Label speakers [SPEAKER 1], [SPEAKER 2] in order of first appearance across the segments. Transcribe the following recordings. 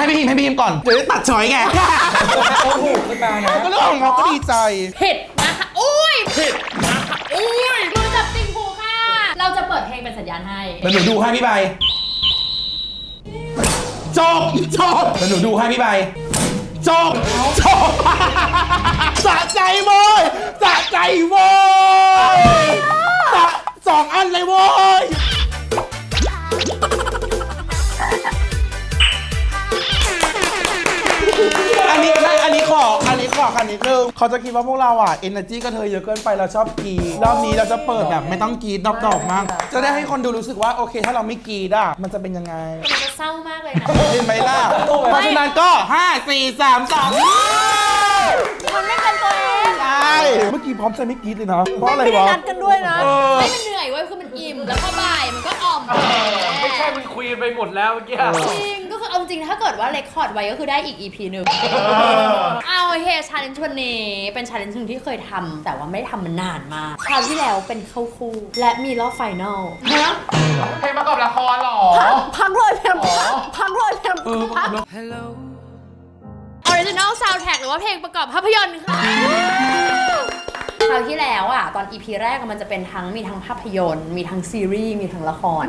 [SPEAKER 1] ให้พี่พิมก่อนเดี๋ยวตัดช้อยไง
[SPEAKER 2] โอ้โหขึ้นมานะ
[SPEAKER 1] ก็เรื่องของเขาก็ดีใจ
[SPEAKER 3] ผิดนะคะโอ้ยผิดนะคะโอ้ยมือจับติ่งหูค่ะเราจะเปิดเพลงเป็นสัญญาณให้
[SPEAKER 1] เดี๋ยวหนูดูให้พี่ใบจบเดี๋ยวหนูดูให้พี่ใบจบสะใจโว้ยสะใจโว้ยสองอันเลยโว้ยอันนี้ขอคันนิดนึงเขาจะคิดว่าพวกเราอ่ะ energy ก็เธอเยอะเกินไปเราชอบกีรอบนี้เราจะเปิดแบบไม่ต้องกีดดอกมากจะได้ให้คนดูรู้สึกว่าโอเคถ้าเราไม่กีดอ่ะมันจะเป็นยังไง
[SPEAKER 3] มันจะเศร้ามากเลยนะ
[SPEAKER 1] เห็นไหมล่ะเพราะฉะนั้นก็5 4 3 2
[SPEAKER 3] มันไม่เป็นตัวเอง
[SPEAKER 1] ใช่เมื่อกี้พร้อมจะไม่กีดเลยนะเพราะอะไรวะ
[SPEAKER 4] ไม่ได้นัดกันด้วยนะ
[SPEAKER 3] ไม่มันเหนื่อยเว้ยคือมันอิ่มแล้วพอบ่ายมันก็อ่อม
[SPEAKER 2] ไม่ใช่มันคุยไปหมดแล้วเมื่อกี้
[SPEAKER 3] จริงก็คือเอาจริงถ้าเกิดว่าเรคคอร์ดไว้ก็คือได้อีก EP หนึ่งเอาเฮชาเลนจ์วันนี้เป็นชาเลนจ์ที่เคยทำแต่ว่าไม่ได้ทำมานานมากคราวที่แล้วเป็นเข้าคู่และมีรอบไฟนอล
[SPEAKER 2] เพลงประกอบละครหรอ
[SPEAKER 4] พักเลยเพลงพักเลยเพลงพัก
[SPEAKER 3] Original Soundtrack หรือว่าเพลงประกอบภาพยนตร์ค่ะคราวที่แล้วอ่ะตอน EP แรกมันจะเป็นมีทั้งภาพยนตร์มีทั้งซีรีส์มีทั้งละคร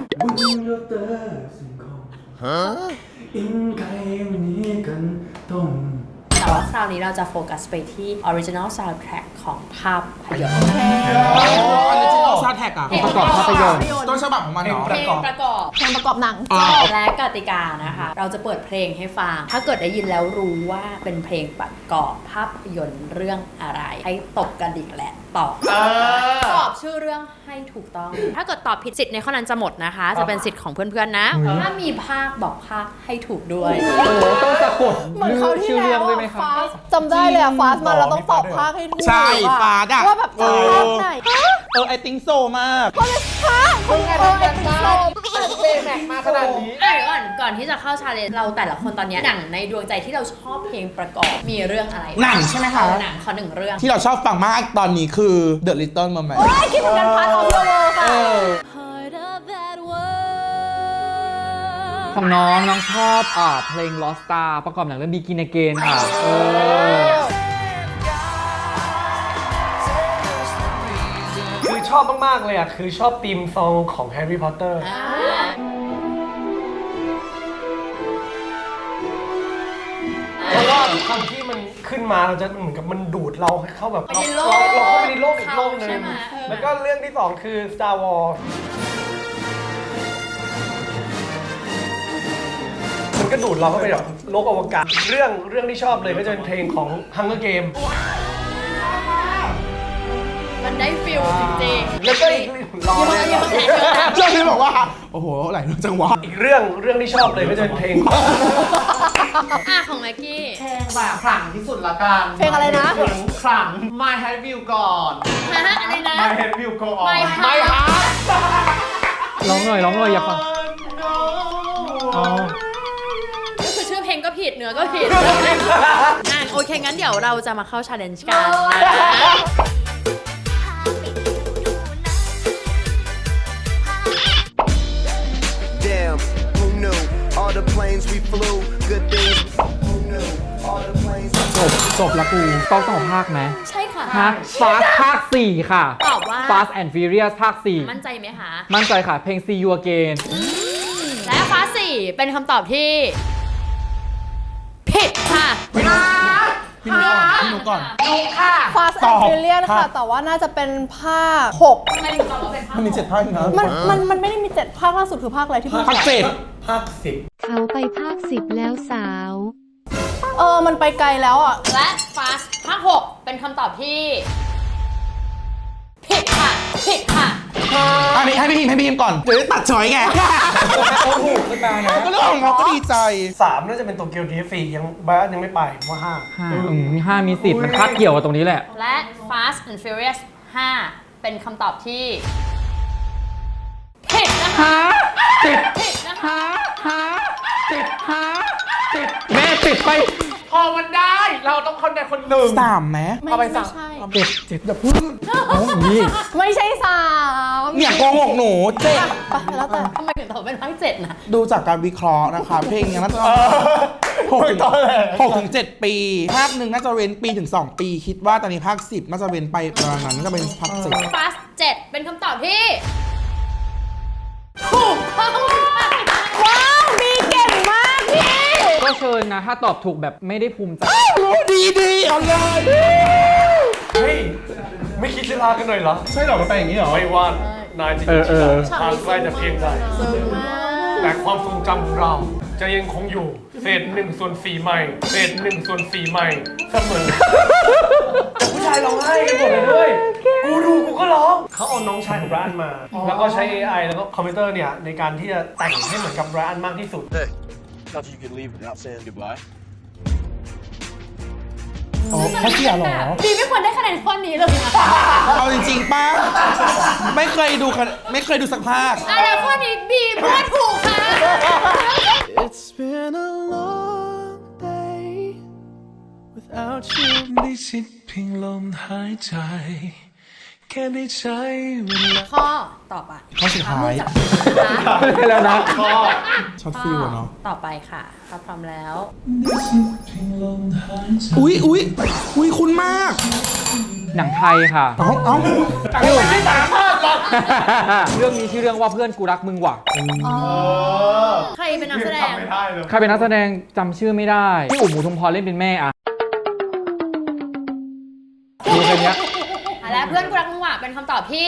[SPEAKER 3] แต่ว่าคราวนี้เราจะโฟกัสไปที่ Original Soundtrack ของภาพยนตร์
[SPEAKER 1] Original Soundtrack อ่ะประกอบภาพยนตร์ต้นฉบับของมันเหรอ
[SPEAKER 3] เพลงประกอบ
[SPEAKER 4] หนัง
[SPEAKER 3] และกติกานะคะเราจะเปิดเพลงให้ฟังถ้าเกิดได้ยินแล้วรู้ว่าเป็นเพลงประกอบภาพยนตร์เรื่องอะไรให้ตบกระดิ่งและตอบชื่อเรื่องให้ถูกต้องถ้าเกิดตอบผิดสิทธิ์ในข้อนั้นจะหมดนะคะจะเป็นสิทธิ์ของเพื่อนๆนะถ้ามีภาคบอกภาคให้ถูกด้วย
[SPEAKER 2] ต้องสะกด
[SPEAKER 4] เหมือนเขาที่แล้วฟาสจำได้เลยอะฟาสมาเราต้องตอบภาคให้ถูก
[SPEAKER 1] ใช่ฟาสอะ
[SPEAKER 4] ว่าแบบภาคไหน
[SPEAKER 1] ไอติ้งโซมาก
[SPEAKER 4] ก็เลยภาคคุณไอติ้งโซ
[SPEAKER 2] เบแม็กมาขนาดนี้
[SPEAKER 3] ก่อนที่จะเข้าชาเลนจ์เราแต่ละคนตอนนี้หนังในดวงใจที่เราชอบเพลงประกอบมีเรื่องอะไร
[SPEAKER 1] หนังใช่ไหมคะ
[SPEAKER 3] หนังขอหนึ่งเรื่อง
[SPEAKER 1] ที่เราชอบฟังมากตอนนี้คือ The Little Mermaid
[SPEAKER 4] คิดเหมือนกันพาร์ทออฟเดอะเวิลด์ค่ะ
[SPEAKER 5] ของน้องชอบเพลง Lost Star ประกอบหนังเรื่อง Begin Again ค่ะ
[SPEAKER 2] คือชอบมากๆเลยอ่ะคือชอบธีมซองของแฮร์รี่พอตเตอร์เพราะว่าคำที่มันขึ้นมาเราจะเหมือนกับมันดูดเราเข้าแบบเราเข้าไปในโลกอีกโลกนึงแล้วก็เรื่องที่2คือ Star Wars มันก็ดูดเราเข้าไปแบบโลกอวกาศเรื่องที่ชอบเลยก็จะเป็นเพลงของ Hunger Game
[SPEAKER 3] มันได้ฟิลจริง
[SPEAKER 2] ๆแล้วก็อีกรอเลย
[SPEAKER 1] เจ้าพี่บอกว่าโอ้โหหลายจังหวะ
[SPEAKER 2] อีกเรื่องที่ชอบเลยก็จะเป็นเพลง
[SPEAKER 3] ของแม็กกี้
[SPEAKER 6] เพลงแบบขลังที่สุดละกัน
[SPEAKER 4] เพลงอะไรนะ
[SPEAKER 6] ขลัง My Head Will Go On
[SPEAKER 3] อะไรนะ
[SPEAKER 6] My Head Will Go On
[SPEAKER 3] My
[SPEAKER 2] Heart
[SPEAKER 5] ร้องหน่อยอยากฟัง
[SPEAKER 3] ก็คือชื่อเพลงก็ผิดเนื้อก็ผิดโอเคงั้นเดี๋ยวเราจะมาเข้า challenge กันนะ
[SPEAKER 1] จบละกู
[SPEAKER 5] ต้องตอบภาคไหม
[SPEAKER 3] ใช่ค่ะ
[SPEAKER 5] Fast ภาค 4 ค่ะ
[SPEAKER 3] ตอบว่า
[SPEAKER 5] Fast and Furious ภาค 4
[SPEAKER 3] มั่นใจไหมคะ
[SPEAKER 5] มั่นใจค่ะเพลง See You Again
[SPEAKER 3] และ Fast 4เป็นคำตอบที่ผิดค่ะ
[SPEAKER 1] พี่นุก่อน
[SPEAKER 4] นุค่ะ Fast and Furious ค่ะแต่ว่าน่าจะเป็นภาค6
[SPEAKER 3] ไม่ได้ตอบว่าเป็นภาค
[SPEAKER 1] มันมี7 ภาคนะ
[SPEAKER 4] มันไม่ได้มี7ภาคล่าสุดคือภาคอะไรที่
[SPEAKER 1] ภาค7ภาค10
[SPEAKER 7] เขาไปภาค10แล้วสาว
[SPEAKER 4] มันไปไกลแล้วอ่ะ
[SPEAKER 3] และ Fast ภาค6เป็นคำตอบที่ผิดค่ะ
[SPEAKER 1] อันนี้ให้พี่พิมก่อนเดี๋ยวตัดช้อยไง
[SPEAKER 2] โอ้โหขึ้นมานะ
[SPEAKER 1] ก็เรื่องของเขาก็ดีใจ
[SPEAKER 2] 3น่าจะเป็นโตเกียวดีฟียังบ้านยังไม่ไปว่า
[SPEAKER 5] 5มีสิทธิ์มันคาดเกี่ยวกับตรงนี้แหละ
[SPEAKER 3] และ Fast and Furious 5เป็นคำตอบที่ผิดนะคะผิดนะคะ
[SPEAKER 5] แม่ติดไป
[SPEAKER 6] พอมันได้เราต้องคนใดคนหนึ่ง
[SPEAKER 1] 3ไหม
[SPEAKER 4] เอาไป3
[SPEAKER 1] 7อย่าพูด
[SPEAKER 4] ไม่ใช่3
[SPEAKER 1] เนี่ยโกหกหนู7
[SPEAKER 4] ไปแล้วแต่
[SPEAKER 3] ทำไมถึงตอบเป็นภาค7นะ
[SPEAKER 1] ดูจากการวิเคราะห์นะคะเพลงยังน่าจะ 6 ถึง 7 ปี ภาคหนึ่งน่าจะเว้นปีถึง 2 ปี คิดว่าตอนนี้ภาค 10 น่าจะเว้นไปประมาณนั้นน่าจะเป็นภาค 10
[SPEAKER 3] Fast 7 เป็นคำตอบที่ ถูกต้อง
[SPEAKER 4] ว้าวมีเก่งมากพี่
[SPEAKER 5] ก็เชิญนะ ถ้าตอบถูกแบบไม่ได้ภูมิใจ
[SPEAKER 1] ดีเอาเลย
[SPEAKER 2] เฮ้ย ไม่คิดจะลากันหน่อยเหรอ
[SPEAKER 1] ใช่หรอมันไปอย่างนี้เหรอ
[SPEAKER 2] ไม่ว่านายจะอยู่ที่ไหนทางใกล้จะเพียงใดแต่ความทรงจำของเราจะยังคงอยู่เศษ1/4ใหม่เศษ1/4ใหม่เสมอแต่ผู้ชายร้องไห้กันหมดเลยด้วยกูดูกูก็ร้องเขาเอาน้องชายของไรอันมา แล้วก็ใช้ AI แล้วก็คอมพิวเตอร์เนี่ยในการที่จะแต่งให้เหมือนกับไรอันมากที่สุด
[SPEAKER 8] Thought you could leave without saying goodbye.
[SPEAKER 1] อ๋อเขาเสียเหรอ
[SPEAKER 3] บีไม่ควรได้คะแนนข้อนี้เลยนะ
[SPEAKER 1] เอาจริงๆป้าไม่เคยดูสักภาค
[SPEAKER 3] อะไรข้อนี้บีพูดถูกค่ะ
[SPEAKER 9] It's been a long day without you ได้ชิดเพียงลมหายใจ แค่ได้ใช้เวลา
[SPEAKER 3] ข้อต่อไป
[SPEAKER 1] ข้อสุดท้าย
[SPEAKER 5] แล้วนะ
[SPEAKER 1] ช็อตฟิลอะเนาะ
[SPEAKER 3] ต่อไปค่ะถ้าพร้อมแล้ว
[SPEAKER 1] อุ๊ยคุณมาก
[SPEAKER 5] หนังไทยค่ะ
[SPEAKER 1] เอ้า
[SPEAKER 5] เรื่องนี้ชื่อเรื่องว่าเพื่อนกูรักมึงว่ะ
[SPEAKER 3] ใครเป็นนักแสดง
[SPEAKER 5] ใครเป็นนักแสดงจำชื่อไม่ได้พี่อุ๋มหมูทุมพรเล่นเป็นแม่อะดูแค่เนี้ย
[SPEAKER 3] และเพื่อนกูรักมึงว่ะเป็นคำตอบที่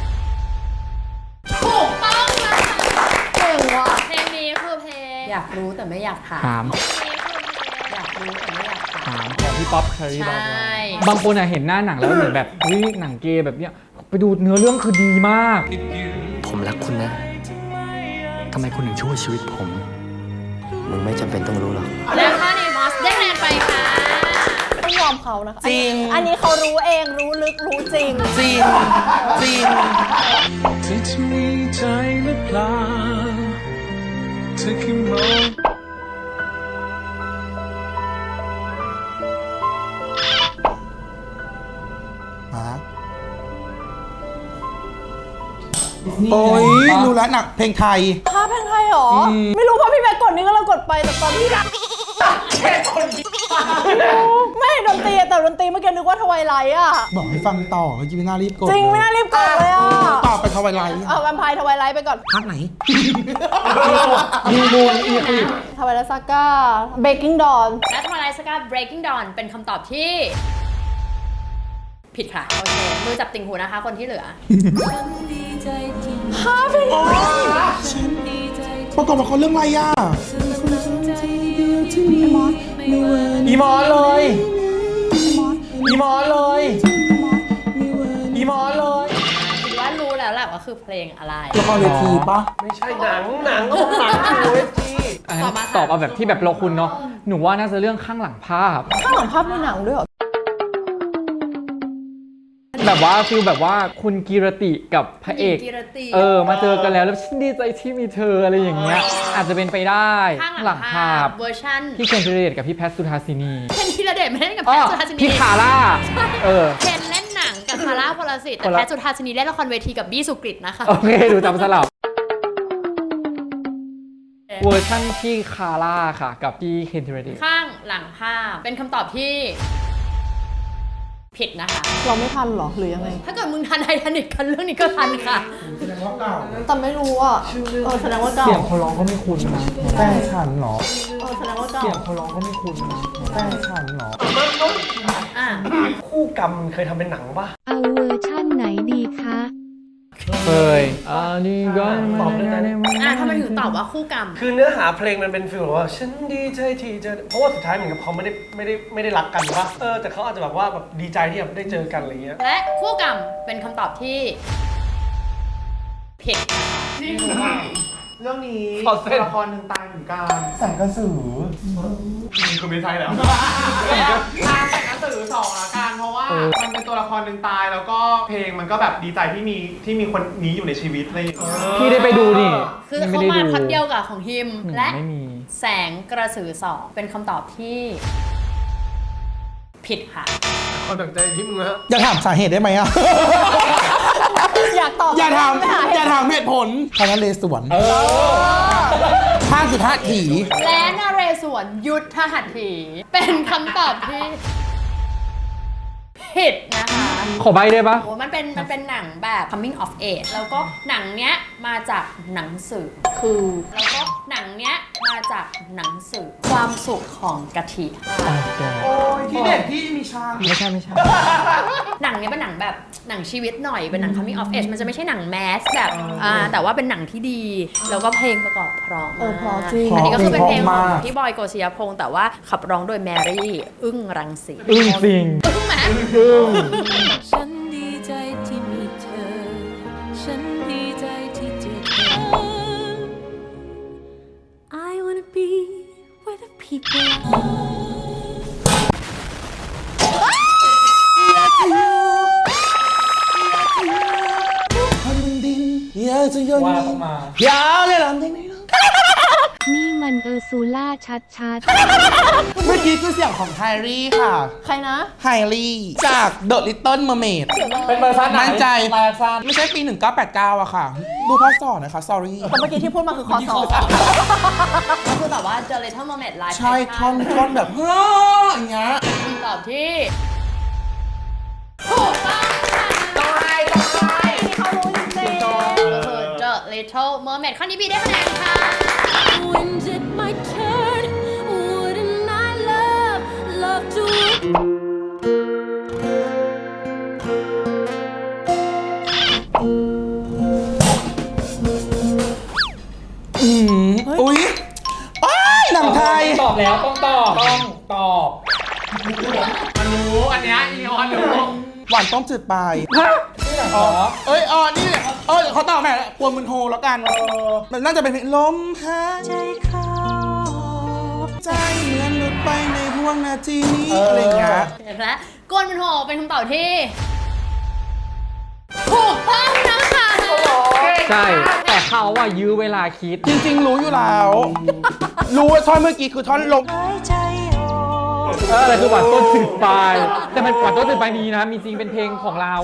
[SPEAKER 3] ถูกต้องนะคะ
[SPEAKER 4] เก่งว่ะ
[SPEAKER 3] เพลงนี้คือเพลง อยากรู้แต่ไม่อยากถาม
[SPEAKER 5] ถาม
[SPEAKER 3] อยากรู้แต่ไม่อยากถาม
[SPEAKER 5] ถามของพี่ป๊อปเคอรี่
[SPEAKER 3] ใช่
[SPEAKER 5] บางคนอะเห็นหน้าหนังแล้วเหมือนแบบเฮ้ยหนังเกย์แบบเนี้ยไปดูเนื้อเรื่องคือดีมาก
[SPEAKER 10] ผมรักคุณนะ ทำไมคุณถึงช่วยชีวิตผม มึงไม่จำเป็นต้องรู้หรอก
[SPEAKER 3] และข้อนี้มอสได้คะแนนไปค่ะ
[SPEAKER 4] ต้องยอมเขานะคะ
[SPEAKER 1] จริง
[SPEAKER 4] อันนี้เขารู้เองรู้ลึกรู้จริง
[SPEAKER 1] จริง
[SPEAKER 9] เธอจะมีใจหรือเปล่าเธอแค่มอง
[SPEAKER 1] โอ้ยรู้แล้วหนักเพลงไทย
[SPEAKER 4] ภาพเพลงไทยเหรอ ไม่รู้เพราะพี่แม็กกดนี่ก็เรากดไปแต่ตอนที่ไม่ดนตรีอะแต่ดนตรีเมื่อกี้นึกว่าทวายไลท์อะ
[SPEAKER 1] บอกให้ฟังต่อเมื่อกี้ไม่น่ารีบกด
[SPEAKER 4] จริงไม่น่ารีบกดเลยอะ
[SPEAKER 1] ต่อไปทวายไลท์
[SPEAKER 4] เอาแวมไพร์ทวายไลท์ไปก่อน
[SPEAKER 1] ภาคไหน
[SPEAKER 5] มีมูลอีคลิป
[SPEAKER 4] ทวายไลท์ซาก้าเบกกิ้งดอน
[SPEAKER 3] และทวายไลท์สกา Breaking Dawn เป็นคำตอบที่ ผิดค่ะ โอเค มือจับติ่งหูนะคะ คนที่เหลือ
[SPEAKER 4] ภาพเพลงไทย
[SPEAKER 1] ประกอบละครเรื่องอะไรอ่ะ
[SPEAKER 2] อีมอนเลย อีมอนเลย อีมอนเลย
[SPEAKER 3] คิดว่ารู้แล้วแหละว่าคือเพลงอะไร
[SPEAKER 1] ละครเวทีปะ
[SPEAKER 2] ไม่ใช่หนังก็บอกหนังโอ้ยจี
[SPEAKER 5] อันนั้นตอบเอาแบบที่แบบเราคุณเนาะหนูว่าน่าจะเรื่องข้างหลังภาพ
[SPEAKER 4] ข้างหลังภาพในหนังด้วยเหรอ
[SPEAKER 5] แบบว่าฟิลแบบว่าคุณกีรติกับพระเอก
[SPEAKER 3] กีรติ
[SPEAKER 5] มาเจอกันแล้วฉันดีใจที่มีเธออะไรอย่างเงี้ยอาจจะเป็นไปได้
[SPEAKER 3] ข้างหลังภาพเวอร์ชัน
[SPEAKER 5] พี่เคนธีรเดชกับพี่แพทสุธาสินี
[SPEAKER 3] เคนธีรเดชไม่ได้เล่นกับ
[SPEAKER 5] อ๋
[SPEAKER 3] แพ
[SPEAKER 5] อ
[SPEAKER 3] ทสุธาสินี
[SPEAKER 5] พี่คาร่า
[SPEAKER 3] เคนเล่นหนังกับคาร่าพลสิทธิ์แต่แพทสุธาสินีเล่นละครเวทีกับบี้สุกฤตนะคะ
[SPEAKER 5] โอเคดูจำสลับเวอร์ชั่นพี่คาร่าค่ะ กับพี่เคนธีรเดช
[SPEAKER 3] ข้างหลังภาพเป็นคำตอบที่ ผิดนะคะ
[SPEAKER 4] เราไม่ทันเหรอหรือยังไง
[SPEAKER 3] ถ้าเกิดมึงทันไททานิคกันเรื่องนี้ก็ทันค่ะ
[SPEAKER 4] แต่ไม่รู้อ่ะแสดงว่าเก่า
[SPEAKER 5] เสียงเขาร้องก็ไม่คุ้นนะ
[SPEAKER 1] แฟนฉันเหรอ
[SPEAKER 4] แสดงว่าเก่า
[SPEAKER 5] เสียงเขาร้องก็ไม่คุ้นนะ
[SPEAKER 1] แฟนฉันเหรอ
[SPEAKER 3] อ่ะ
[SPEAKER 2] คู่กรรมเคยทำเป็นหนังปะ
[SPEAKER 7] เอาเวอร์ชั่นไหนดีคะ
[SPEAKER 5] เคยนี่ก็
[SPEAKER 2] ตอบได้ไหม
[SPEAKER 3] ทำไมถึงตอบว่าคู่กรรม
[SPEAKER 2] คือเนื้อหาเพลงมันเป็นฟีลแบบว่าฉันดีใจที่เจอเพราะว่าสุดท้ายเหมือนกับเขาไม่ได้รักกันปะแต่เขาอาจจะแบบว่าแบบดีใจที่แบบได้เจอกันอะไรเงี้ย
[SPEAKER 3] และคู่กรรมเป็นคำตอบที่ ผิด
[SPEAKER 6] เรื่องนี้
[SPEAKER 2] ขอเส้น
[SPEAKER 6] ละครหนึ่งตายเหมือนกัน
[SPEAKER 1] แสงกระสือ
[SPEAKER 2] คุณไม่ใช่แล้ว
[SPEAKER 6] ทางแต่งหนังสือสองละกันเพราะว่ามันเป็นตัวละครหนึ่งตายแล้วก็เพลงมันก็แบบดีใจที่มีคนนี้อยู่ในชีวิตอะไรอย่างเงี้ย
[SPEAKER 5] พี่ได้ไปดูนี่
[SPEAKER 3] คือ
[SPEAKER 5] ยัง
[SPEAKER 3] เขา
[SPEAKER 5] ไม่ได้
[SPEAKER 3] มา
[SPEAKER 5] ดู
[SPEAKER 3] พัดเดียวกับของฮิม และ
[SPEAKER 5] ไม่มี
[SPEAKER 3] แสงกระสือสองเป็นคำตอบที่ ผิดค่ะ
[SPEAKER 2] ความตั้งใจที่มึงนะ
[SPEAKER 1] อย่าถามสาเหตุได้ไหมอ่ะ
[SPEAKER 4] อยากตอบ
[SPEAKER 1] อย่าถาม
[SPEAKER 4] ไม่ห
[SPEAKER 1] อย่าถามเหตุผลคณะเลสวนภาคยุทธถี
[SPEAKER 3] และนเรศวรยุทธหัตถีเป็นคำตอบที่ผิดนะคะ
[SPEAKER 5] ขอใบได้ปะ
[SPEAKER 3] โอ้มันเป็นหนังแบบ coming of age แล้วก็หนังเนี้ยมาจากหนังสือแล้วก็หนังเนี้ยมาจากหนังสือความสุขของกะทิ
[SPEAKER 1] โอ้ยที่เด็กที่มีช้าง
[SPEAKER 5] ไม่ใช่
[SPEAKER 3] หนังเนี้ยเป็นหนังแบบหนังชีวิตหน่อยเป็นหนัง coming of age มันจะไม่ใช่หนังแมสแบบแต่ว่าเป็นหนังที่ดีแล้วก็เพลงประกอบเพราะมาก
[SPEAKER 4] เพราะจริง
[SPEAKER 3] อันนี้ก็คือเป็นเพลงของพี่บอยโกศิยพงษ์แต่ว่าขับร้องโดยแมรี่อึ้งรังสี
[SPEAKER 5] อึ้งจริง
[SPEAKER 3] อึ้งไหม
[SPEAKER 7] ฉันดีใจที่มีเธอ ฉันดีใจที่เจอเธอ I wanna be where the people are
[SPEAKER 1] คนบนดินอยากจะโยนยาวเลยลำเด็กนี่
[SPEAKER 7] นี่มันซูล่าชัด
[SPEAKER 1] เมื่อกี้คือเสียงของไฮรี่ค่ะ
[SPEAKER 4] ใครนะ
[SPEAKER 1] ไฮรี่จาก The Little Mermaid
[SPEAKER 5] เป็นเวอร์ชันไหน
[SPEAKER 1] มั่นใจ
[SPEAKER 5] เวอร์ชัน
[SPEAKER 1] ไม่ใช่ปี 1989อะค่ะ ดูพอสอนนะคะ sorry
[SPEAKER 4] แต่เมื่อกี้ที่พูดมาคือคอสอบ
[SPEAKER 3] ก็คือแบบว่า The Little Mermaid Live
[SPEAKER 1] ใช่ท่อนแบบเฮ้ออย่างเงี้ย
[SPEAKER 3] คำตอบที่ถูกต้องค่ะ
[SPEAKER 4] เขารู้จริง
[SPEAKER 3] ก็คือ The Little Mermaid ข้อนี้พี่ได้คะแนนค่ะ
[SPEAKER 7] When's it my turn? Wouldn't I love to
[SPEAKER 1] อุ๊ยอ้ายหนังไทย
[SPEAKER 5] ตอบแล้วต้องตอบ
[SPEAKER 6] มันรู้อันเนี้ยอีออนรู้
[SPEAKER 1] หวานต้มจืดปลาย
[SPEAKER 5] นี่หนังเหรอ
[SPEAKER 1] เอ้ยนี่เขาตอบแม่ปวนมุนโฮแล้วกัน มันน่าจะเป็นเพลงลมหายใจเข้าใจเหมือนหลุดไปในห่วงนาทีนี้อะไรอย่างเงี้ย
[SPEAKER 3] เห็นไหมกวนมันโหเป็นคำตอบที่ถูกต้องนะคะ
[SPEAKER 5] ใช่ แต่เขาว่ายื้อเวลาคิด
[SPEAKER 1] จริงๆ รู้อยู่แล้ว รู้ว่าท่อนเมื่อกี้คือท่อนลม
[SPEAKER 5] แต่คือหวานต้นจืดปลาย แต่มันหวานต้นจืดปลายมีนะ มีจริงเป็นเพลงของเรา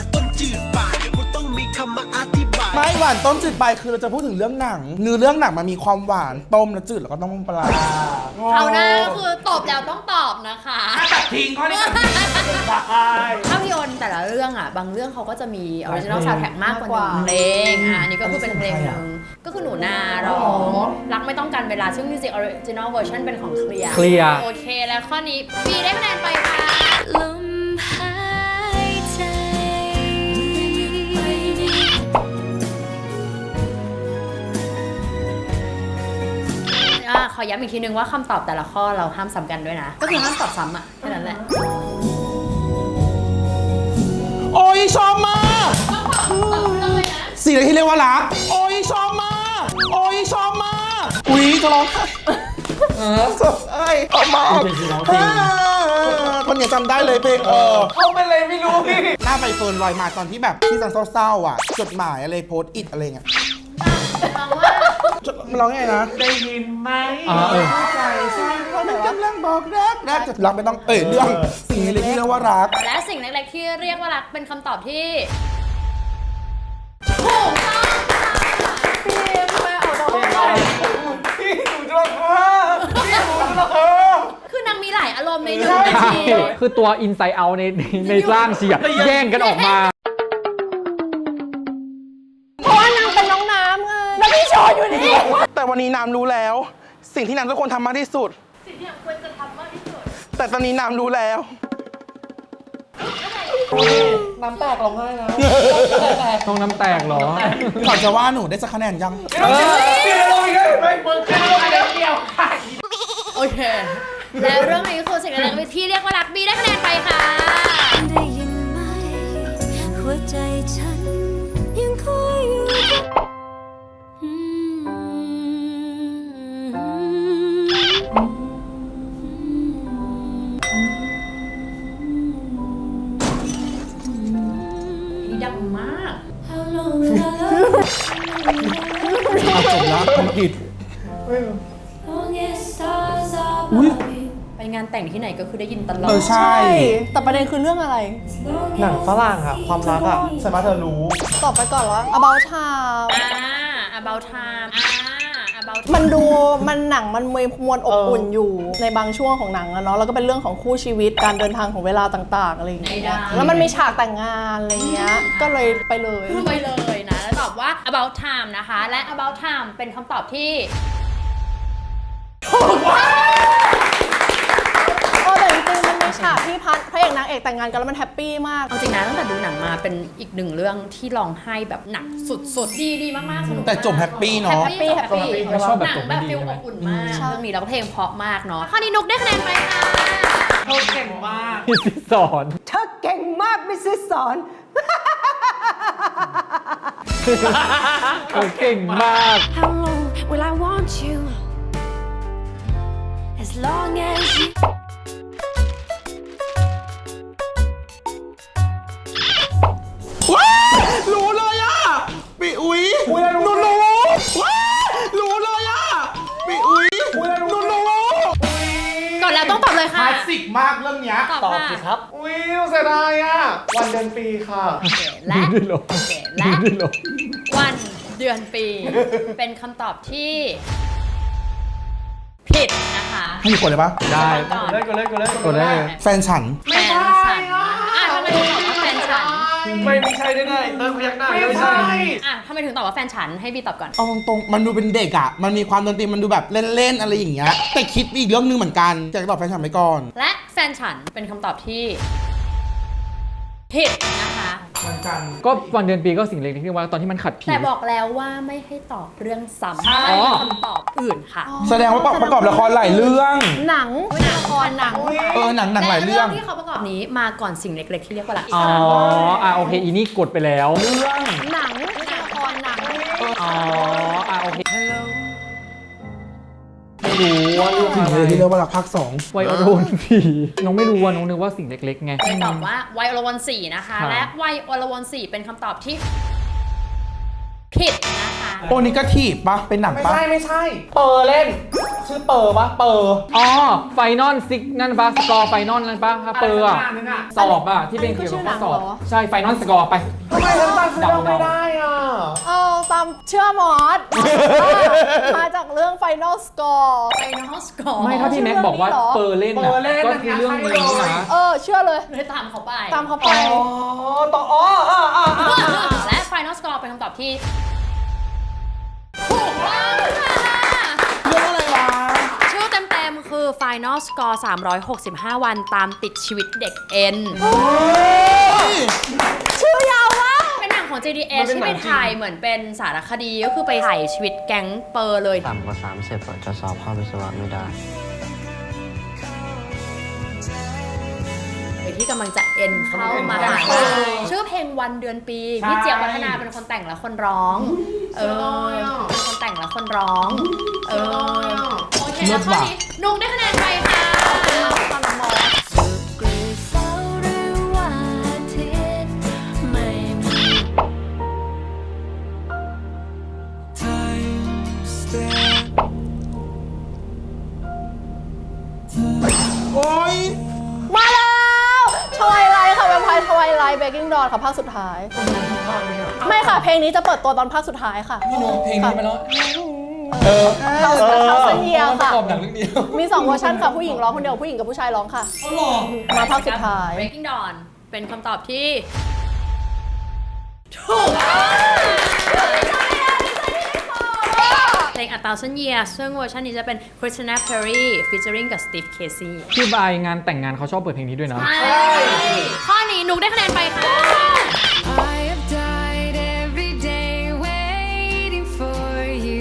[SPEAKER 1] ไม่หวานต้มจืดไปคือเราจะพูดถึงเรื่องหนังเนื้อเรื่องหนังมันมีความหวานต้มแล้วจืดแล้วก็ต้องปลา
[SPEAKER 3] คราวหน้าก็คือตอบแล้วต้องตอบนะคะ
[SPEAKER 1] ตัดทิ้งข้อนี้ตัดทิ้ง
[SPEAKER 3] ภาพยนตร์แต่ละเรื่องอ่ะบางเรื่องเขาก็จะมีออริจินอลซาวด์แทร็กมากกว่าหนึ่งเพลงอันนี้ก็คือเป็นเพลงหนึ่งก็คือหนูนาร้องรักไม่ต้องการเวลาซึ่งมิวสิกออริจินอลเวอร์ชันเป็นของเคลียร์
[SPEAKER 5] Clear
[SPEAKER 3] โอเคแล้วข้อนี้ปีได้คะแนนไปค่ะ
[SPEAKER 7] ลมหายใจ
[SPEAKER 3] ขอย้ำอีกทีนึงว่าคำตอบแต่ละข้อเราห้ามซ้ำกันด้วยนะ ก็คือห้ามตอบซ้ำอ่ะแค่นั้นแหละ
[SPEAKER 1] โอ้ยชอบมากสิ่งที่เรียกว่ารัก โอ้ยชอบมากโอ้ยชอบมากอุ๊ยจะร้องไห้สดไอ้ออกมาคนเนี่ยจำได้เลยเพลงเขาเป็นอะไรไม่รู้พี่หน้าใบเฟิร์นลอยมาตอนที่แบบที่ซันเศร้าๆอ่ะจดหมายอะไรโพสต์อิทอะไรเงี้ยมันร้องไงนะ
[SPEAKER 6] ได้ยินไหม
[SPEAKER 1] ใจฉันมันกำลังบอกรักจะรักไม่ต้องเรื่องสิ่งนี้เลยที่เรียกว่ารัก
[SPEAKER 3] และสิ่งเล็กๆที่เรียกว่ารักเป็นคำตอบที่ถูกต้องคือนางมีหลายอารมณ์ในหนึ่งนาที
[SPEAKER 5] คือตัว Inside Out ในร่างเสียแย่งกันออกมา
[SPEAKER 4] เพราะว่านางเป็นน้องน้ำไง แล้วพี่โชว์อยู่นี่
[SPEAKER 1] แต่วันนี้น้ำรู้แล้ว สิ่งที่น้ำทุกคนทำมากที่สุด
[SPEAKER 3] สิ่งที่ควรจะทำมากที่สุด
[SPEAKER 1] แต่ตอนนี้น้ำรู้แล้ว
[SPEAKER 6] น้ำแตกร้องไห้นะ
[SPEAKER 5] ต้องน้ำแตกเหรอ
[SPEAKER 1] ก่อนจะว่าหนูได้สักคะแนนยัง
[SPEAKER 3] โอเค แล้วเรื่องนี้คือสิ่งเล็กๆที่เรียกว่ารักบีได้คะแนนไปค่ะ
[SPEAKER 7] ได้ยินไหมหัวใจฉันยังคอยอยู่
[SPEAKER 3] ดังมาก
[SPEAKER 1] จบแล้วธุรกิจ
[SPEAKER 3] ไปงานแต่งที่ไหนก็คือได้ยินตลอด
[SPEAKER 1] ใช่
[SPEAKER 4] แต่ประเด็นคือเรื่องอะไร
[SPEAKER 6] หนังฝรั่งอะความรักอะสามารถเธอรู้
[SPEAKER 4] ตอบไปก่อนว่า about time
[SPEAKER 3] about time about
[SPEAKER 4] มันหนังมันมีมวลอบอุ่นอยู่ในบางช่วงของหนังอะเนาะแล้วก็เป็นเรื่องของคู่ชีวิตการเดินทางของเวลาต่างๆอะไรอย่างเงี้ยแล้วมันมีฉากแต่งงานอะไรเงี้ยก็เลยไปเลย
[SPEAKER 3] ไปเลยนะ แล้วตอบว่า about time นะคะ และ about time เป็นคำตอบที่ถูกต้อง
[SPEAKER 4] แต่จริงๆมันมีฉากที่พระเอกนางเอกแต่งงานกันแล้วมันแฮปปี้มาก
[SPEAKER 3] เอาจริงนะตั้งแต่ดูหนังมาเป็นอีกหนึ่งเรื่องที่ร้องไห้แบบหนักสุดๆ ดีมากๆสนุกมาก
[SPEAKER 1] แต่จบแฮปปี้เนาะ
[SPEAKER 3] แฮปปี้
[SPEAKER 5] ไม่ชอบแบบ
[SPEAKER 3] หนั
[SPEAKER 5] จ
[SPEAKER 3] ง
[SPEAKER 5] บ
[SPEAKER 3] แบ
[SPEAKER 5] ไม่
[SPEAKER 3] บ
[SPEAKER 5] ดี
[SPEAKER 3] ฟิล
[SPEAKER 5] ใช่ไหม
[SPEAKER 3] อบอุ่นมากเรื่องนี้แล้วก็เพลงเพราะมากเนาะข้อนี้นุกได้คะแนนไปค่ะ
[SPEAKER 6] เธอเก่งมาก
[SPEAKER 5] พี่สอน
[SPEAKER 11] เธอเก่งมากมิสซิสสอน
[SPEAKER 5] เขาเก่งมาก
[SPEAKER 7] How long will I want you? As long as you
[SPEAKER 1] ว้ารู้เลยอ่ะปีอุ้ยหนูรู้ว้ารู้เลยอ่ะปีอุ้ยหนูรู้
[SPEAKER 3] ก่อนแล้วต้องตอบเลย
[SPEAKER 1] ค
[SPEAKER 3] ค่ะ
[SPEAKER 1] ลาสสิกมากเรื่องเนี้ย
[SPEAKER 3] ตอบค่ะ
[SPEAKER 6] อุ้ยเสียดายอ่ะ วันเดือนปีค่ะ
[SPEAKER 3] และ
[SPEAKER 5] ด้วยเหรอ
[SPEAKER 3] และ
[SPEAKER 5] ด้วยเหรอ
[SPEAKER 3] วันเดือนปี เป็นคำตอบที่ผิดนะคะ
[SPEAKER 1] ให้กดเลยปะ
[SPEAKER 5] ได้
[SPEAKER 3] ก่อน
[SPEAKER 5] กดได้เลย
[SPEAKER 1] แฟนฉัน
[SPEAKER 3] แฟนฉันทำไมถึงตอบว่าแฟนฉัน
[SPEAKER 2] ไม่ใช่แน่ๆเติมพยักหน้าไม่ใช่
[SPEAKER 3] ทำไมถึงตอบว่าแฟนฉันให้บีตอบก่อน
[SPEAKER 1] เอาตรงๆมันดูเป็นเด็กอ่ะ มันมีความดนตรีมันดูแบบเล่นๆอะไรอย่างเงี้ย แต่คิดอีกเรื่องนึงเหมือนกันอยากตอบแฟนฉันไปก่อน
[SPEAKER 3] และแฟนฉันเป็นคำตอบที่ผิดนะคะ
[SPEAKER 5] ก็วันเดือนปีก็สิ่งเล็กๆที่ว่าตอนที่มันขัดผี
[SPEAKER 3] แต่บอกแล้วว่าไม่ให้ตอบเรื่องซ้ำ
[SPEAKER 5] ใช่
[SPEAKER 3] ไม่มีคำตอบอื่นค่ะ
[SPEAKER 1] แสดงว่าประกอบละครหลายเรื่อง
[SPEAKER 4] หนัง
[SPEAKER 3] ละครหนัง
[SPEAKER 1] หนังหลายเรื่อง
[SPEAKER 3] และที่เขาประกอบนี้มาก่อนสิ่งเล็กๆที่เรียกว่ารัก
[SPEAKER 5] อ๋อโอเคอีนี่กดไปแล้ว
[SPEAKER 1] เรื่อง
[SPEAKER 4] หนังละครหนัง
[SPEAKER 5] อ๋อโอเคไม่รู้ว่าเรื่อง
[SPEAKER 1] สิ่ง
[SPEAKER 5] อะไร
[SPEAKER 1] เลยที่เรียกว่ารักภาคสอง
[SPEAKER 5] ไวโอโดนผีน้องไม่รู้ว่าน้องนึกว่าสิ่งเล็กๆไง
[SPEAKER 3] เลยตอบว่าไวโอลวัน4นะคะ
[SPEAKER 5] ครับ
[SPEAKER 3] และไวโอลวัน4เป็นคำตอบที่ผิดนะคะ
[SPEAKER 1] โอนิกาทีฟปะเป็นหนัง
[SPEAKER 6] ไม่
[SPEAKER 1] ปะ
[SPEAKER 6] ใช่ไม่ใช่ เปอร์เล่น ชื่อเปอร์ปะเปอร์
[SPEAKER 5] อ๋อไฟนอลซิกนั่นปะสกอร์ไฟนอลนั่นปะถ้าเปอร์อะ
[SPEAKER 6] อะไรสักอย่างนึงอะ
[SPEAKER 5] สอบอะที่เป็นเกี่ยวกับข้อสอบใช่ไฟนอลสกอร์ไป
[SPEAKER 6] ทำไมฉันจำชื่อเรื่องไม่ได้อ่ะ
[SPEAKER 4] ตามเชื่อมอสมาจากเรื่อง Final Score
[SPEAKER 3] ไฟนอลสกอร์
[SPEAKER 5] ไม่ถ้าพี่แม็กบอกว่าเปอร์เล่น
[SPEAKER 6] เปอร์เล่น
[SPEAKER 5] ก็คือเรื่องนี้นะ
[SPEAKER 4] เชื่อเลย
[SPEAKER 3] เลยตามเขาไป
[SPEAKER 4] ตามเขาไป
[SPEAKER 6] ต่อ
[SPEAKER 3] และ Final Score เป็นคำตอบที่ถูกต้องค่ะ
[SPEAKER 1] เรื่องอะไรวะ
[SPEAKER 3] ชื่อเต็มๆคือ Final Score 365 วันตามติดชีวิตเด็กเอ็น
[SPEAKER 4] ชื่อยาวมาก
[SPEAKER 3] เป็นหนังของ JDS ที่ไปถ่ายเหมือนเป็นสารคดีก็คือไปถ่ายชีวิตแก๊งเปอร์เลย
[SPEAKER 10] ต่ำกว่า30จะสอบเข้าวิศวะไม่ได้
[SPEAKER 3] ที่กำลังจะเอ็นเข้ามหาลัยชื่อเพลงวันเดือนปีพี่เจี๊ยบวัฒนาเป็นคนแต่งและคนร้องเป็นคนแต่งและคนร้องโอเคแล้วข้อนี้นุ๊กได้คะแนนไปค่ะ
[SPEAKER 7] กรีเสาร์หรือว่าอาทิตย์ไม่มี
[SPEAKER 1] โอ๊ย
[SPEAKER 4] มาแล้วทวายไลท์ค่ะแวมไพร์ทวายไลท์เบกกิ้งดอนค่ะภาคสุดท้าย ไม่ค่ะ เพลงนี้จะเปิดตัวตอนภาคสุดท้ายค่ะ
[SPEAKER 5] พี่โน้เพลงนี้มาแล้ว
[SPEAKER 4] เท่าเซนเยีย
[SPEAKER 5] ประ
[SPEAKER 4] ค่ะ
[SPEAKER 5] กอบหนังเรื่องเดียว
[SPEAKER 4] มี 2 เวอร์ชันค่ะ ผู้หญิงร้องคนเดียว ผู้หญิงกับผู้ชายร้องค่ะ มาภาคสุดท้าย
[SPEAKER 3] Breaking Dawn เป็นคำตอบที่ถูกเพลง A Thousand Years ซึ่งเวอร์ชันนี้จะเป็น Christina Perri featuring กับ Steve Casey
[SPEAKER 5] พี่บายงานแต่งงานเขาชอบเปิดเพลงนี้ด้วยนะ
[SPEAKER 3] ข้อนี้นุกได้คะแนนไปค่ะ
[SPEAKER 7] I have died every day waiting for you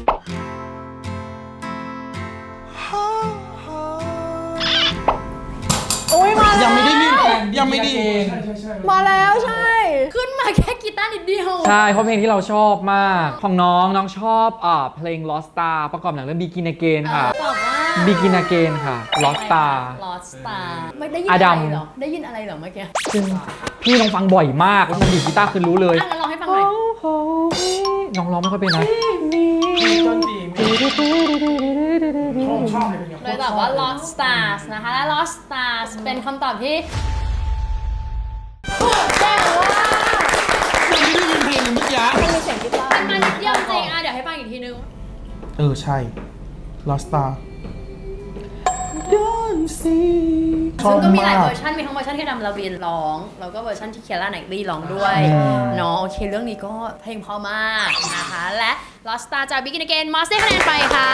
[SPEAKER 4] อุ้ยมาแล้ว
[SPEAKER 1] ยังไม่ได้ยินยังไม่ได้ยิน
[SPEAKER 4] มาแล้วใช่
[SPEAKER 3] ขึ้นมาแค่กีตาร์นิดเดียว
[SPEAKER 5] ใช่เพราะเพลงที่เราชอบมาก ของน้องชอบเพลง Lost Star ประกอบหนังเรื่อง Begin Again ค่ะ
[SPEAKER 3] ตอบว่า
[SPEAKER 5] Begin Again ค่ะ Lost Star
[SPEAKER 3] Lost Star ไม่ได้ยิน
[SPEAKER 5] อ
[SPEAKER 3] อะ
[SPEAKER 5] ดั
[SPEAKER 3] ไร
[SPEAKER 5] ม
[SPEAKER 3] เหรอ ได้ยินอะไรเหรอเมื่อกี้
[SPEAKER 5] ซึ่งพี่น้องฟังบ่อยมากแล้วมันดีดกีตาร์คือรู้เลย
[SPEAKER 3] งั้นลองให้ฟังหน่อย
[SPEAKER 5] น้องร้องไม่ค่อยเป็นนะ
[SPEAKER 3] เลยตอบว่า Lost Stars นะคะ และ Lost Stars เป็นคำตอบที่ถูกต้องว่า
[SPEAKER 1] ยังไม่ได้ยินเพลงเลยเมื่อกี้
[SPEAKER 4] มันมีเสียงกีตาร์
[SPEAKER 3] มันนิดเดียวจริงอ่ะเดี๋ยวให้ฟังอีกทีนึง
[SPEAKER 1] ใช่ Lost Star Don't see
[SPEAKER 3] ซึ่งก็มีหลายเวอร์ชันมีทั้งเวอร์ชันที่ดำลาวินร้องแล้วก็เวอร์ชันที่เคียร่าไนท์ลีร้องด้วยเนาะโอเคเรื่องนี้ก็เพลงเพราะมากนะคะและ Lost Star จาก Begin Again มอสได้คะแนนไปค่ะ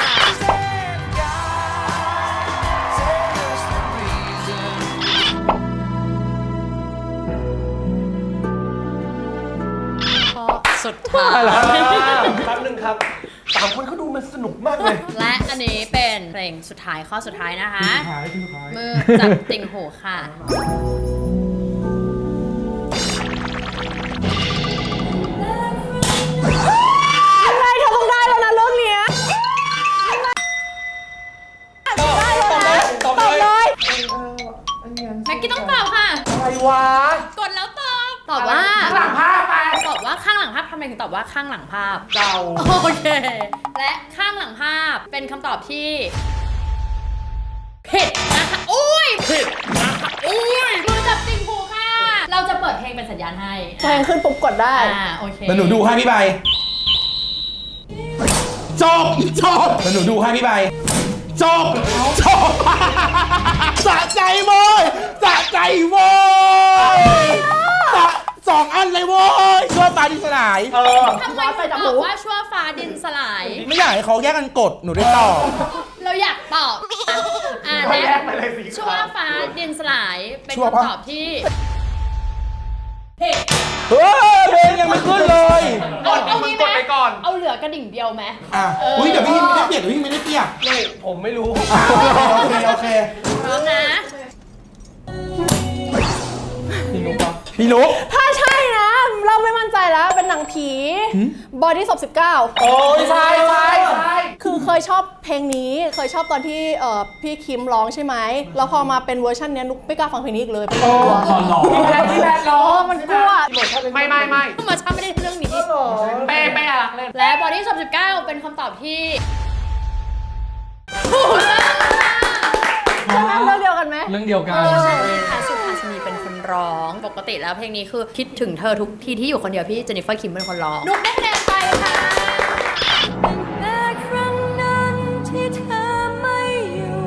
[SPEAKER 3] สุดท้าย
[SPEAKER 2] แป๊บนึงครับ3 คนเขาดูมันสนุกมากเลย
[SPEAKER 3] และอันนี้เป็นเพลงสุดท้ายข้อสุดท้ายนะคะมือจับติ่งหูค่ะ
[SPEAKER 4] อะไรเธอต้องได้แล้วนะเรื่องเนี้ยได้แล้วนะตอบเลย
[SPEAKER 3] แม็กกี้ต้องตอบค่ะ
[SPEAKER 6] อะไรวะ
[SPEAKER 3] กดแล้วตอบว่า
[SPEAKER 6] ข้างหลังภาพไป
[SPEAKER 3] ตอบว่าข้างหลังภาพทำไมถึงตอบว่าข้างหลังภาพ
[SPEAKER 6] เดา
[SPEAKER 3] โอเค และข้างหลังภาพเป็นคำตอบที่ผิดนะคะอุ้ยผิดนะคะอุ้ยมือจับติ่งหูค่ะ เราจะเปิดเพลงเป็นสัญญาณให้
[SPEAKER 4] เพลงขึ้นปุ๊บกดได้
[SPEAKER 3] โอเค
[SPEAKER 1] แล้วหนูดูให้พี่ใบจบแล้วหนูดูให้พี่ใบจบสะใจโว้ยสะใจโว้ย2 อันเลยโว้ยชั่วฟ้าดินสลาย
[SPEAKER 3] ทำไมถึงบอกว่าชั่วฟ้าดินสลาย
[SPEAKER 1] ไม่อยากให้เขาแยกกันกดหนูได้ตอบ
[SPEAKER 3] เราอยากตอบและ
[SPEAKER 6] แยกไปเลยสิ
[SPEAKER 3] ชั่วฟ้าดินสลายเป็น
[SPEAKER 1] ชั่วปะ
[SPEAKER 3] คำตอบที่
[SPEAKER 1] เฮ้ยเพลงยังไม่ขึ้นเลย
[SPEAKER 3] เอางี้ไหม
[SPEAKER 6] กดไปก่อน
[SPEAKER 3] เอาเหลือกระดิ่งเดียวไหม
[SPEAKER 1] อุ้ยเดี๋ยวพี่ไม่ได้เปียกพี่ไม่ได้เปียก
[SPEAKER 2] ผมไม่รู้
[SPEAKER 1] โอเค
[SPEAKER 3] พร้อมนะ
[SPEAKER 1] พี่นุ๊ก
[SPEAKER 4] ถ้าใช่นะ เราไม่มั่นใจแล้วเป็นหนังผีบอดี้ศพ19
[SPEAKER 6] โอ้ยใช่
[SPEAKER 4] คือเคยชอบเพลงนี้เคยชอบตอนที่พี่คิมร้องใช่ไหมแล้วพอมาเป็นเวอร์ชันเนี้ยนุกไม่กล้าฟังเพลงนี้อีกเลยเป็นกลัว
[SPEAKER 6] พี่แพทร้อง
[SPEAKER 4] มันกลัว
[SPEAKER 6] ไม่
[SPEAKER 3] มาช้าไม่ได้เรื่องนี้
[SPEAKER 6] เป้อะรักเล่น
[SPEAKER 3] และบอดี้ศพ19เป็นคำตอบที่ถูกต้องค่ะ
[SPEAKER 4] ใช่ไหมเรื่องเดียวกันไหม
[SPEAKER 5] เรื่องเดียวกัน
[SPEAKER 3] ค่ะสุภาษินีเป็นคนร้องปกติแล้วเพลงนี้คือคิดถึงเธอทุกทีที่อยู่คนเดียวพี่เจนนิเฟอร์คิมเป็นคนร้องนุกได้คะแนนไปค่ะ
[SPEAKER 7] แต่ครั้งนั้นที่เธอไม่อยู่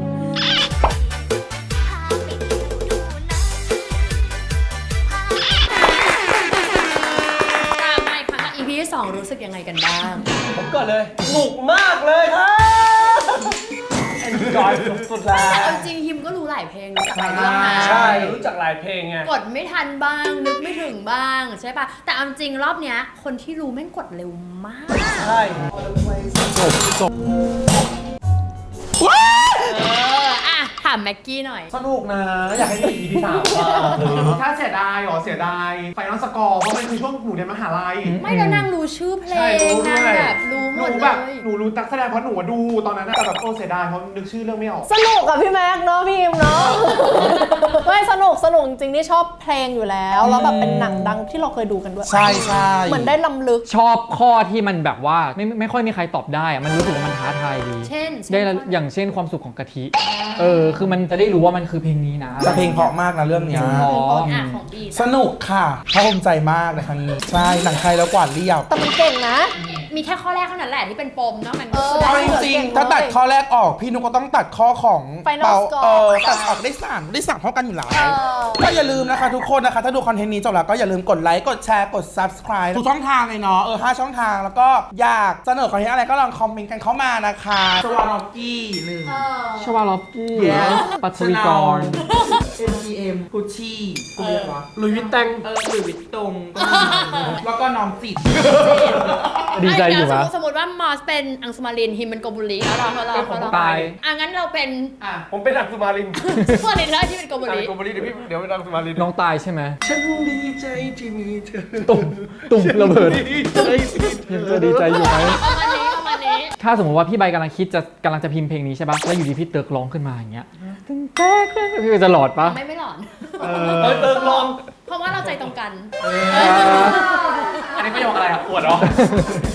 [SPEAKER 3] กลับมาอีกครั้งกับ EP ที่ 2 รู้สึกยังไงกันบ้าง
[SPEAKER 2] ผมก่อนเลยสนุกมากเลยครับจอยสุดๆแล้
[SPEAKER 3] แต่
[SPEAKER 2] ว
[SPEAKER 3] เอาจริงฮิมก็รู้หลายเพลงรู้จักหลายเรื่องนะ
[SPEAKER 2] ใช่รู้จักหลายเพลงไง
[SPEAKER 3] กดไม่ทันบ้างนึกไม่ถึงบ้างใช่ปะแต่เอาจริงรอบเนี้ยคนที่รู้แม่งกดเร็วมาก
[SPEAKER 2] ใช่
[SPEAKER 3] อ่ะถามแม็กกี้หน่อย
[SPEAKER 6] สนุกนะ อยากให้มี EP 3ถ้าเสียดายเสียดายไฟนอลสกอร์เพราะมันคือช่วงหนูเรียนมหาลัย
[SPEAKER 3] ไม่แล้วนางรู้ชื่อเพล
[SPEAKER 6] ใช่
[SPEAKER 3] ง
[SPEAKER 6] รู้ด้
[SPEAKER 3] นาง
[SPEAKER 6] วย
[SPEAKER 3] แบบรู้หมด
[SPEAKER 6] หนู
[SPEAKER 3] เล
[SPEAKER 6] แบบ
[SPEAKER 3] ย
[SPEAKER 6] หนูรู้นักแสดงเพราะหนูดูตอนนั้นแต่แบบเสียดายเพราะนึกชื่อเรื่องไม่ออก
[SPEAKER 4] สนุกกับพี่แม็กเนาะพี่อิมเนาะ ไม่สนุกจริงๆที่ชอบเพลงอยู่แล้วแล้วแบบเป็นหนังดังที่เราเคยดูกันด้วย
[SPEAKER 1] ใช่ใช่
[SPEAKER 4] เหมือนได้ล้ำลึก
[SPEAKER 5] ชอบข้อที่มันแบบว่าไม่ค่อยมีใครตอบได้อะมันรู้สึกว่ามันท้าทายดี
[SPEAKER 3] เช่น
[SPEAKER 5] ได้อย่างเช่นความสุขของกะทิคือมันจะได้รู้ว่ามันคือเพลงนี้นะ
[SPEAKER 1] แต่เพลงเพราะมากนะเรื่องเนี้ย
[SPEAKER 5] อ๋อ
[SPEAKER 3] อ่ะของบี
[SPEAKER 1] สนุกค่ะภาคภูมิใจมากในครั้งนี้ใช่หนังไทยแล้วกวาดเรียบ
[SPEAKER 4] แต่มันเก่งนะ
[SPEAKER 3] มีแค่ข้อแรกเท่านั้นแหละที่เป็นปมเนาะมันก็คือ
[SPEAKER 1] เอาจริงๆถ้าตัดข้อแรกออกพี่นุกก็ต้องตัดข้อของ
[SPEAKER 4] Final Score
[SPEAKER 1] ตัดออกได้3เท่ากันอยู่แล้วก็อย่าลืมนะคะทุกคนนะคะถ้าดูคอนเทนต์นี้จบแล้วก็อย่าลืมกดไลค์กดแชร์กด subscribe ทุกช่องทางเลยเนาะ5 ช่องทางแล้วก็อยากเสนอคอนเทนต์อะไรก็ลองคอมเมนต์กันเข้ามานะคะสวาร็อกกี้หนึ่ง
[SPEAKER 5] ชวาลอฟกี้
[SPEAKER 1] Yes
[SPEAKER 5] ปัทวีกร
[SPEAKER 1] MCM กุชชี่กูเรียกว่า
[SPEAKER 2] หลุยส์วิตแตง
[SPEAKER 1] หรือวิตตงแล้วก็น้องจิต
[SPEAKER 5] ดีใจอยู่
[SPEAKER 3] สม
[SPEAKER 5] ปะ
[SPEAKER 3] มติสมมติว่ามอสเป็นอังสุมารินฮิมเป็นโกบุรีเขาลอง
[SPEAKER 5] ตาย
[SPEAKER 3] งั้นเราเป็น
[SPEAKER 2] ผมเป็นอังสุมาริน
[SPEAKER 3] สุมารินแล้วที่เป็นโกบุรี
[SPEAKER 2] โกบริเดี๋ยวเป็นอังสุมาริน
[SPEAKER 5] น้องตายใช่ไหม
[SPEAKER 2] ฉันดีใจที่มีเธอ
[SPEAKER 5] ตุ่มระเบิด
[SPEAKER 2] ดีใจ
[SPEAKER 5] ยังจะดีใจอยู่ไหม
[SPEAKER 3] ประมาณนี้
[SPEAKER 5] ถ้าสมมติว่าพี่ใบกำลังจะพิมพ์เพลงนี้ใช่ปะแล้วอยู่ดีพี่เติร์กร้องขึ้นมาอย่างเงี้ยตึ้งแต๊กพี่จะหลอดปะ
[SPEAKER 3] ไม่หลอน
[SPEAKER 2] เติมลอง
[SPEAKER 3] เพราะว่าเราใจตรงกัน
[SPEAKER 6] อันนี้ประโยคอะไรอ่ะอวดเหรอ